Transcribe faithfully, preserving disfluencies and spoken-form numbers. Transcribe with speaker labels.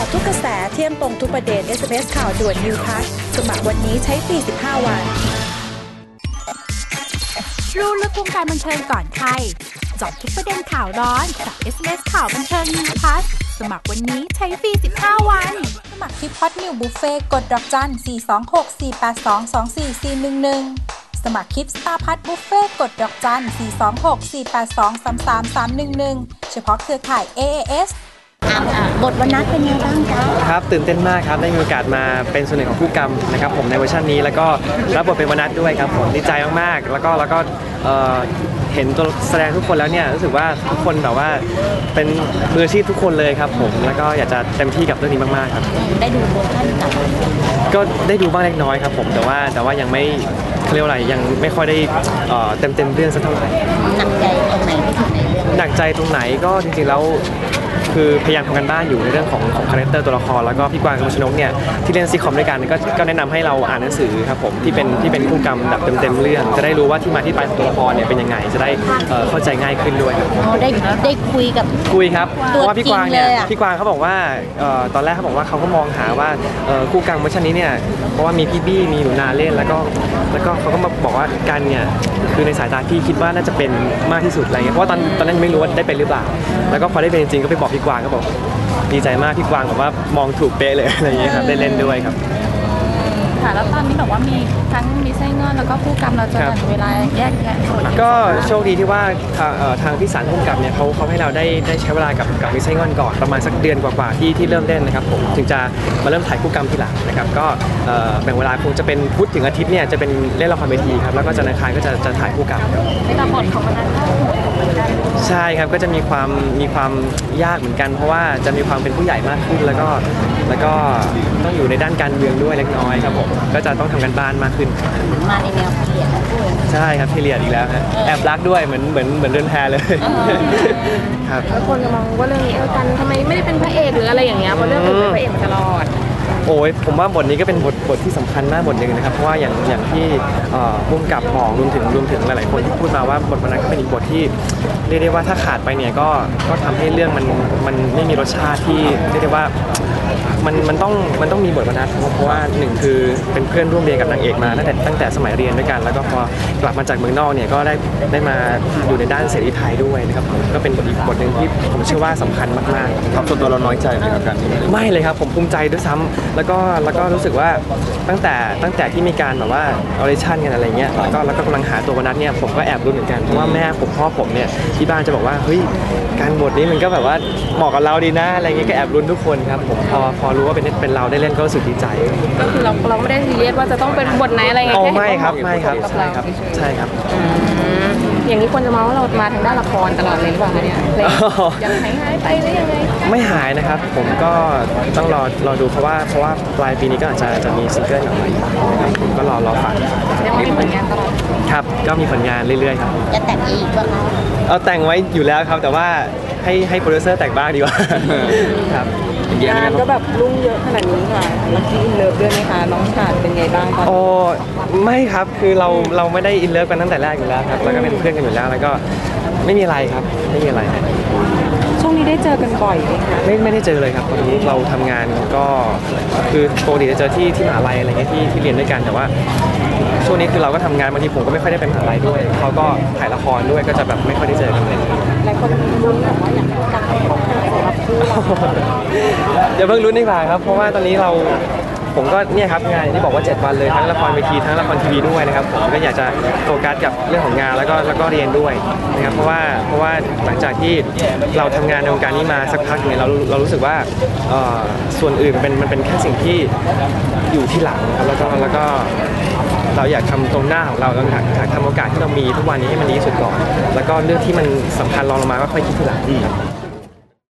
Speaker 1: าะทุกกระแสเที่ยมตรงทุกประเด็น เอส เอ็ม เอส ข่าวด่วน New Plus สมัครวันนี้ใช้ฟรีสิบห้าวัน
Speaker 2: รู้ลึกวงการบันเทิงก่อนใครเจาะทุกประเด็นข่าวร้อนกับ เอส เอ็ม เอส ข่าวบันเทิง New Plus สมัครวันนี้ใช้ฟรีสิบห้าวันสมัครที่พอดนิวบุฟเฟ่กดดอกจันสี่ สอง หก สี่ แปด สอง สอง สี่ สี่ หนึ่ง หนึ่งสมัครคลิปสตาร์พัทบุฟเฟ่กดดอกจันสี่ สอง หก สี่ แปด สอง สาม สาม สาม หนึ่ง หนึ่งเฉพาะเครือข่าย เอ เอ เอส
Speaker 1: บทวันนัดเป็นยังไงบ้างคะ
Speaker 3: ครับตื่นเต้นมากครับได้มีโอกาสมาเป็นส่วนหนึ่งของผู้กำนะครับผมในเวอร์ชันนี้แล้วก็รับบทเป็นวนัทด้วยครับผมดีใจมากๆแล้วก็แล้วก็เห็นตัวแสดงทุกคนแล้วเนี่ยรู้สึกว่าทุกคนแบบว่าเป็นมืออาชีพทุกคนเลยครับผมแล้วก็อยากจะเต็มที่กับเรื่องนี้มากๆครับ
Speaker 1: ได้ดูเวอร์ชันกับ
Speaker 3: ก็ได้ดูบ้างเล็กน้อยครับผมแต่ว่าแต่ว่ายังไม่เขาเรียกว่าอะไรยังไม่ค่อยได้เต็มเต็มเรื่องสักเท่าไหร่
Speaker 1: หนักใจตรงไหนที่สุดในเรื่อง
Speaker 3: หนักใจตรงไหนก็จริงๆแล้วคือพยายามทำกันบ้านอยู่ในเรื่องของของคาแรคเตอร์ตัวละครแล้วก็พี่กวางกับชนกเนี่ยที่เล่นซีคอมด้วยกันก็ก็แนะนำให้เราอ่านหนังสือครับผมที่เป็นที่เป็นคู่กรรมแบบเต็มๆเรื่องจะได้รู้ว่าที่มาที่ไปของตัวละครเนี่ยเป็นยังไงจะได้เข้าใจง่ายขึ้นด้วย
Speaker 1: อ๋อได้ได้คุยกับ
Speaker 3: คุยครับเพราะว่าพี่กวางเนี่ยพี่กวางเขาบอกว่าตอนแรกเขาบอกว่าเขาก็มองหาว่าคู่กรรมเวอร์ชันนี้เนี่ยเพราะว่ามีพี่บี้มีหนูนาเล่นแล้วก็แล้วก็เขาก็มาบอกว่ากันเนี่ยคือในสายตาพี่คิดว่าน่าจะเป็นมากที่สุดอะไรเงี้ยเพราะว่าตอนตอนนั้นไม่รู้ว่าได้เป็นหรือเปล่าแล้วก็พอได้เป็นจริงก็ไปบอกพี่กวางก็บอกดีใจมากพี่กวางแบบว่ามองถูกเป๊ะเลยอะไรอย่างเงี้ยครับได้เล่นด้วยครับ
Speaker 4: ค่ะแล้วตอนนี้แบบว่ามีทั้งมีไส้เงินแล้วก็ผู้กำเราจะแบ่งเวลาแยกแยะ
Speaker 3: ก็โชคดีที่ว่าทางทางพี่สารผู้กำเนี่ยเขาเขาให้เราได้ได้ใช้เวลากับกับมิไส้เงินก่อนประมาณสักเดือนกว่าๆที่ที่เริ่มเล่นนะครับผมถึงจะมาเริ่มถ่ายผู้กำทีหลังนะครับก็แบ่งเวลาคงจะเป็นพุธถึงอาทิตย์เนี่ยจะเป็นเล่นละครเวทีครับแล้วก็จันทร์อังคารก็จะจะถ่ายผู้กำครับ
Speaker 4: ในบทของมันนั้น
Speaker 3: ใช่ครับก็จะมีความมีความยากเหมือนกันเพราะว่าจะมีความเป็นผู้ใหญ่มากขึ้นแล้วก็แล้วก็ต้องอยู่ในด้านการเมืองด้วยเล็กน้อยครับผมก็จะต้องทำกันบ้านมากขึ้น
Speaker 1: มาในแนวพีเรียดด้วย
Speaker 3: ใช่ครับพีเรียดอีกแล้วฮะแอบรักด้วยเหมือนเหมือนเหมือนเดินแพเลยครับ
Speaker 4: แล้วคนจะมองว่าเรื่องนี้กันทำไมไม่ได้เป็นพระเอกหรืออะไรอย่างเงี้ยเพราะเรื่องอื่นเป็นพระเอกมาตลอด
Speaker 3: โอ้ยผมว่าบทนี้ก็เป็นบทบทที่สำคัญมากบทหนึ่งนะครับเพราะว่าอย่างอย่างที่พุ่มกับบอกรวมถึงรวมถึงหลายๆคนที่พูดมาว่าบทนั้นก็เป็นอีกบทที่เรียกได้ว่าถ้าขาดไปเนี่ยก็ก็ทำให้เรื่องมันมันไม่มีรสชาติที่เรียกได้ว่ามันมันต้องมันต้องมีบทวรรณะเพราะว่าหนึ่งคือเป็นเพื่อนร่วมเรียนกับนางเอกมาตั้งแต่ตั้งแต่สมัยเรียนด้วยกันแล้วก็พอกลับมาจากเมืองนอกเนี่ยก็ได้ได้มาอยู่ในด้านเสรีไทยด้วยนะครับผมก็เป็นบทอีกบทหนึ่งที่ผมเชื่อว่าสำคัญมากๆ
Speaker 5: ครับส่วนตัวเราน้อยใจไหมครับการที่
Speaker 3: ไม่เลยครับผมภูมิใจด้วยซ้ำแล้วก็แล้วก็รู้สึกว่าตั้งแต่ตั้งแต่ที่มีการแบบว่าออดิชั่นกันอะไรเงี้ยแล้วก็แล้วก็กำลังหาตัววรรณะเนี่ยผมก็แอบรุ้นเหมือนกันเพราะว่าแม่ผมพ่อผมเนี่ยที่บ้านจะบอกว่าเฮ้ยการบทนี้มันก็แบบว่าเหมาะกับเราดีนะอะไรเงี้ยก็แอบรุ้นทุกคนครับผมพอพอรู้ว่าเป็นเป็นเราได้เล่นก็รู้สึกดีใจ
Speaker 4: ก็คือเราเราไม่ได้ซีเรียสว่าจะต้องเป็นบทไหนอะไรเงี้ย
Speaker 3: โอ้ไม่ครับไม่ครับใช่ครับใช่ครับ
Speaker 4: อย่างนี้ควรจะมองว่าเรามาทางด้านละครตลอดเลยหรือเปล่าเนี่ยยังหายหายไปหรือยังไง
Speaker 3: ไม่หายนะครับผมก็ต้องรอรอดูเพราะว่าเพราะว่าปลายปีนี้ก็อาจจะจะมีซิงเกิลออกมานะครับผมก็รอรอฟัง
Speaker 4: ยังมีผลงานตลอด
Speaker 3: ครับก็มีผลงานเรื่อยๆครับ
Speaker 1: จะแต่งอีกบ้าง
Speaker 3: เอาแต่งไว้อยู่แล้วครับแต่ว่าให้ให้โปรดิวเซอร์แต่งบ้างดีกว่าครับ
Speaker 4: งานก็แบบรุ่งเยอะขนาดนี้ค่ะแล้วที่อินเลิฟด้วยไหมคะน้องชาติเป็นไงบ้างตอน
Speaker 3: โอ้ไม่ครับคือเราเราไม่ได้อินเลิฟกันตั้งแต่แรกอยู่แล้วครับแล้วก็เป็นเพื่อนกันอยู่แล้วแล้วก็ไม่มีอะไรครับไม่มีอะไร
Speaker 4: ช่วงนี้ได้เจอกันบ่อยไหมคะ
Speaker 3: ไม่ไม่ได้เจอเลยครับตอนนี้เราทำงานก็คือปกติจะเจอที่ที่มหาลัยอะไรเงี้ยที่ที่เรียนด้วยกันแต่ว่าช่วงนี้คือเราก็ทำงานบางทีผมก็ไม่ค่อยได้ไปมหาลัยด้วยเขาก็ถ่ายละครด้วยก็จะแบบไม่ค่อยได้เจอกันเลย
Speaker 4: หลายคนรุ้นแบบว่าอยากให้การพบกันสำหรับคู่เรา
Speaker 3: อย่าเพิ่งรุ้นดีกว่าครับเพราะว่าตอนนี้เราผมก็เนี่ยครับงานที่บอกว่าเจ็ดวันเลยทั้งละครเวทีทั้งละครทีวีด้วยนะครับผมก็อยากจะโฟกัสกับเรื่องของงานแล้วก็แล้วก็เรียนด้วยนะครับเพราะว่าเพราะว่าหลังจากที่เราทำงานในวงการนี้มาสักพักเนี่ยเราเรารู้สึกว่าส่วนอื่นเป็นมันเป็นแค่สิ่งที่อยู่ที่หลังครับแล้วก็แล้วก็เราอยากทำตรงหน้าของเราเราอยากทำโอกาสที่เรามีทุกวันนี้ให้มันดีที่สุดก่อนแล้วก็เรื่องที่มันสำคัญรองลงมาก็ค่อยคิดทีหลัง